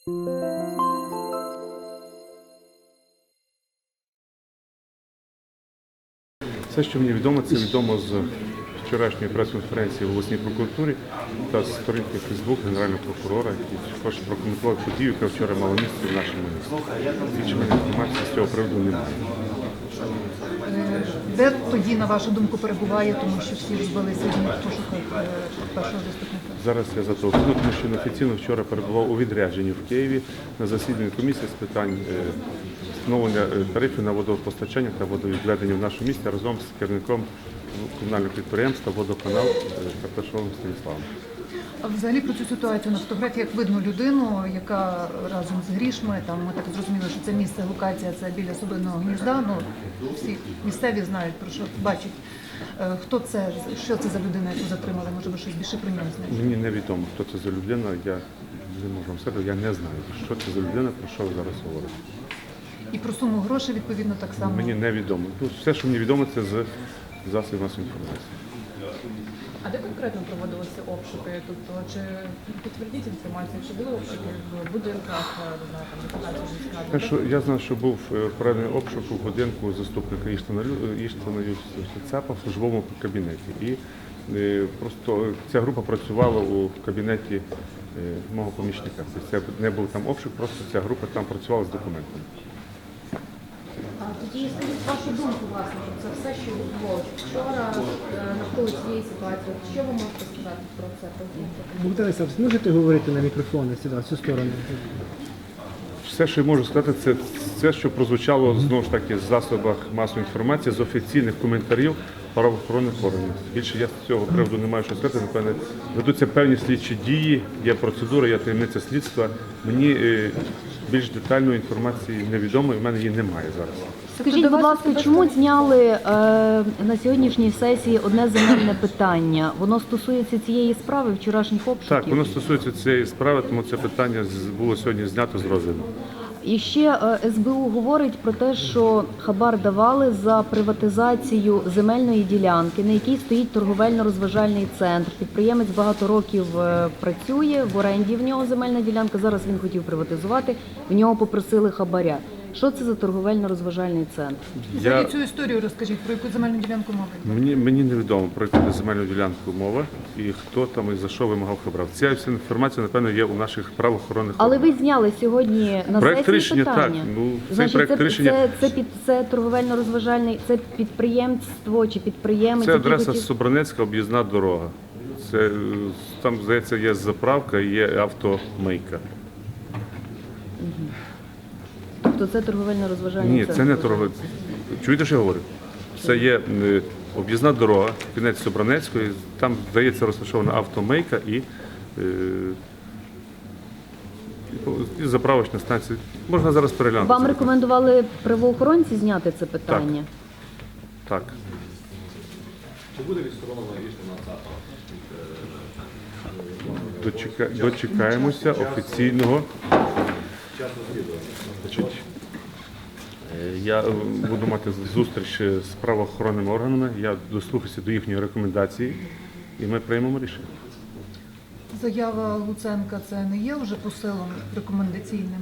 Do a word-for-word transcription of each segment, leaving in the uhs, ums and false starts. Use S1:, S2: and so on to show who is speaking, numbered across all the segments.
S1: Все, що мені відомо, це відомо з вчорашньої прес-конференції в обласній прокуратурі та з сторінки Фейсбук Генерального прокурора, який також прокоментував подію, яка вчора мала місце в нашому місті. Більше інформації з цього приводу немає.
S2: Де тоді, на вашу думку, перебуває, тому що всі збилися в пошуках першого заступника?
S1: Зараз я зателефоную, тому що офіційно вчора перебував у відрядженні в Києві на засіданні комісії з питань встановлення тарифів на водопостачання та водовідведення в нашому місті разом з керівником комунального підприємства «Водоканал» Карташовим Станіславом.
S2: А взагалі про цю ситуацію на фотографіях видно людину, яка разом з грішми, там ми так зрозуміли, що це місце, локація, це біля Собиного гнізда, ну всі місцеві знають, про що бачать. Хто це, що це за людина, яку затримали, може ви щось більше про нього знаєте?
S1: Мені невідомо, хто це за людина, я не можу вам сказати, я не знаю, що це за людина, про що ви зараз говорите.
S2: І про суму грошей, відповідно, так само?
S1: Мені невідомо. Ну, все, що мені відомо, це з засобів масової інформації.
S3: А де конкретно проводилися обшуки? Тобто, чи підтвердіть інформацію, чи були обшуки в будинках, не знаю, там, депутатів міськради?
S1: Так що я знаю, що був проведений обшук у будинку заступника Іштана Цапа в службовому кабінеті. І е, просто ця група працювала у кабінеті е, мого помічника. Тобто це не був там обшук, просто ця група там працювала з документами.
S4: Тоді скажіть вашу думку, власне, про це все, що було вчора навколо цієї ситуації. Що ви можете сказати про це?
S5: Богдан Олександрович, можете говорити на мікрофон сюди, в цю сторону?
S1: Все, що я можу сказати, це все, що прозвучало знову ж таки з засобах масової інформації, з офіційних коментарів правоохоронних органів. Більше я з цього приводу не маю що сказати. Напевне, ведуться певні слідчі дії, є процедура, є таємниця слідства. Мені е, більш детальної інформації невідомо, і в мене її немає зараз.
S6: Скажіть, будь ласка, чому зняли е, на сьогоднішній сесії одне земельне питання? Воно стосується цієї справи, вчорашніх обшуків?
S1: Так, воно стосується цієї справи, тому це питання було сьогодні знято з розгляду.
S6: І ще е, ес бе у говорить про те, що хабар давали за приватизацію земельної ділянки, на якій стоїть торговельно-розважальний центр. Підприємець багато років е, працює, в оренді в нього земельна ділянка, зараз він хотів приватизувати, в нього попросили хабаря. Що це за торговельно-розважальний центр?
S2: Взагалі цю історію розкажіть, про яку земельну ділянку мова?
S1: Мені, мені невідомо, про яку земельну ділянку мова і хто там і за що вимагав хабар. Ця вся інформація, напевно, є у наших правоохоронних
S6: Але
S1: органах.
S6: ви зняли сьогодні на
S1: Проект
S6: сесії
S1: рішення,
S6: питання.
S1: так. Ну, цей
S6: Значить,
S1: проект
S6: це,
S1: рішення...
S6: це, це, під, це торговельно-розважальний, це підприємство чи підприємець?
S1: Це
S6: який
S1: адреса
S6: хотів-
S1: Собранецька, об'їзна дорога. Це, е, там, здається, є заправка і є автомийка.
S6: Тобто це торговельно-розважальний
S1: Ні,
S6: центр?
S1: це не торговельна. Чуєте, що я говорю? Це є е, об'їзна дорога, кінець Собранецької, там, здається, розташована автомийка і, е, і заправочна станція. Можна зараз переглянути.
S6: Вам
S1: це
S6: рекомендували правоохоронці зняти це питання?
S1: Так.
S7: Чи буде відсторонено рішення ЦАПа?
S1: Дочека... Дочекаємося офіційного. Значить, е, я е, буду мати зустріч з правоохоронними органами, я дослухаюся до їхньої рекомендації і ми приймемо рішення.
S2: Заява Луценка – це не є вже посилом рекомендаційним?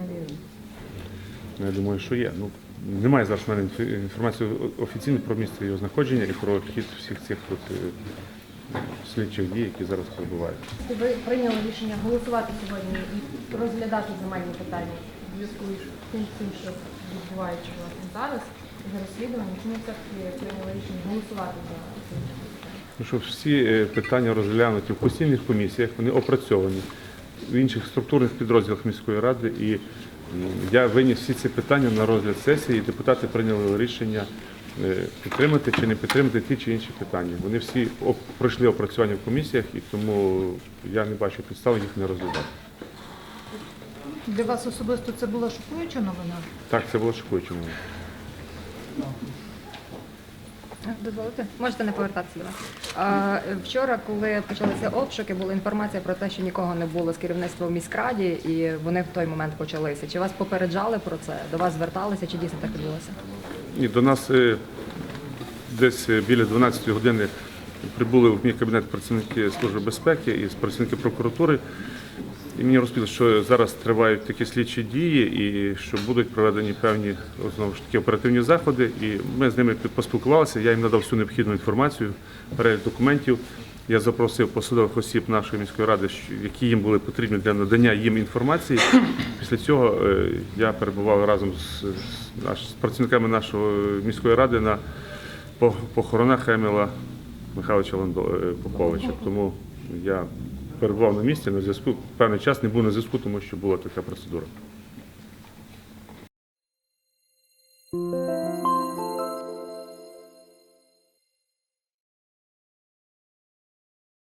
S1: Я думаю, що є. Ну, немає зараз в мене інформації офіційно про місце його знаходження і про хід всіх цих от, е, слідчих дій, які зараз перебувають.
S4: Ви прийняли рішення голосувати сьогодні і розглядати земельні питання в зв'язку з тим, цим, що відбувається власне зараз, за розслідування. Чому все-таки прийняли рішення голосувати за це?
S1: Ну, що всі е, питання розглянуті в постійних комісіях, вони опрацьовані в інших структурних підрозділах міської ради. І м, я виніс всі ці питання на розгляд сесії, і депутати прийняли рішення е, підтримати чи не підтримати ті чи інші питання. Вони всі оп- пройшли опрацювання в комісіях, і тому я не бачу підстав їх не розглядати.
S2: Для вас особисто це була шокуюча новина?
S1: Так, це було шокуюче.
S3: Дозволите? Можете не повертатися до нас. А, вчора, коли почалися обшуки, була інформація про те, що нікого не було з керівництва в міськраді, і вони в той момент почалися. Чи вас попереджали про це? До вас зверталися, чи дійсно так відбулося?
S1: І до нас е, десь е, біля дванадцятої години прибули в мій кабінет працівники Служби безпеки і працівники прокуратури. І мені розповіли, що зараз тривають такі слідчі дії і що будуть проведені певні знову ж таки оперативні заходи. І ми з ними поспілкувалися, я їм надав всю необхідну інформацію, перелік документів. Я запросив посадових осіб нашої міської ради, які їм були потрібні для надання їм інформації. Після цього я перебував разом з, з працівниками нашої міської ради на похоронах Еміла Михайловича Поповича. Тому я перебував на місці на зв'язку. Певний час не був на зв'язку, тому що була така процедура.